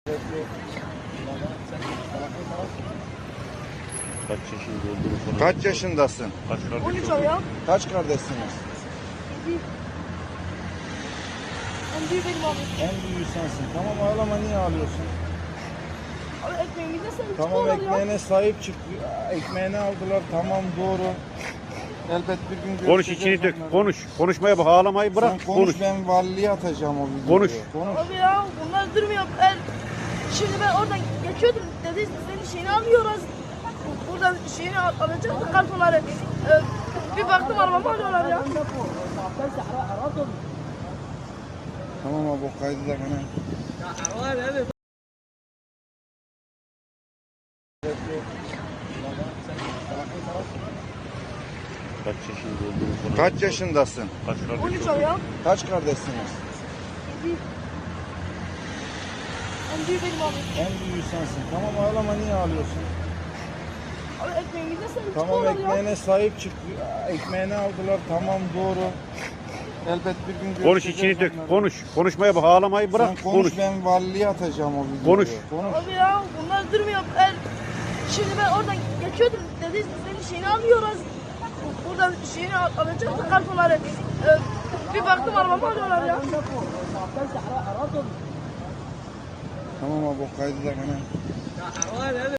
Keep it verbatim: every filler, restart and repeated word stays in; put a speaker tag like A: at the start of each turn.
A: Kaç yaşında olduğunu falan.
B: Kaç yaşındasın?
A: Kaç kardeş
C: on üç
A: olduğunu?
C: oluyor.
B: Kaç kardeşsiniz?
C: Bir. En büyük benim abi.
B: En büyüğü sensin. Tamam ağlama, niye ağlıyorsun?
C: Abi ekmeğimize sahip
B: Tamam,
C: çıkıyorlar ya.
B: ekmeğine sahip çık. Ekmeğini aldılar, tamam, doğru. Elbet bir gün görüşeceğiz.
A: Konuş, içini dök.
B: onları.
A: Konuş. Konuşmaya bak, ağlamayı bırak.
B: Sen konuş,
A: Konuş.
B: ben valiliğe atacağım o videoyu.
A: Konuş.
B: Konuş.
C: Abi ya bunlar durmuyor. Ben, şimdi ben oradan geçiyordum. Dedi senin şeyini almıyoruz. Buradan şeyini al, alacaktık kartonları. Ee, bir baktım arabamı alıyorlar ya.
B: Tamam abi, o kaydı da bana.
A: Kaç yaşında olduğunu falan.
B: Kaç yaşındasın?
A: Kaç kardeş
C: on üç
A: olduğunu?
C: oluyor.
B: Kaç kardeşsiniz?
C: Bir. En büyük benim abi.
B: En büyüğü sensin. Tamam ağlama, niye ağlıyorsun?
C: Abi ekmeğimize sahip
B: Tamam,
C: çıkıyorlar ya.
B: ekmeğine sahip çık. Ekmeğini aldılar, tamam, doğru. Elbet bir gün görüşeceğiz.
A: Konuş, içini dök.
B: onları.
A: Konuş. Konuşmaya bak, ağlamayı bırak.
B: Sen konuş,
A: Konuş.
B: ben valiliğe atacağım o videoyu.
A: Konuş.
B: Konuş.
C: Abi ya bunlar durmuyor. Ben, şimdi ben oradan geçiyordum. Dedi senin şeyini almıyoruz. Buradan şeyini al, alacaktık kartonları. Ee, bir baktım arabamı alıyorlar ya.
B: Tamam abi, o kaydı da bana.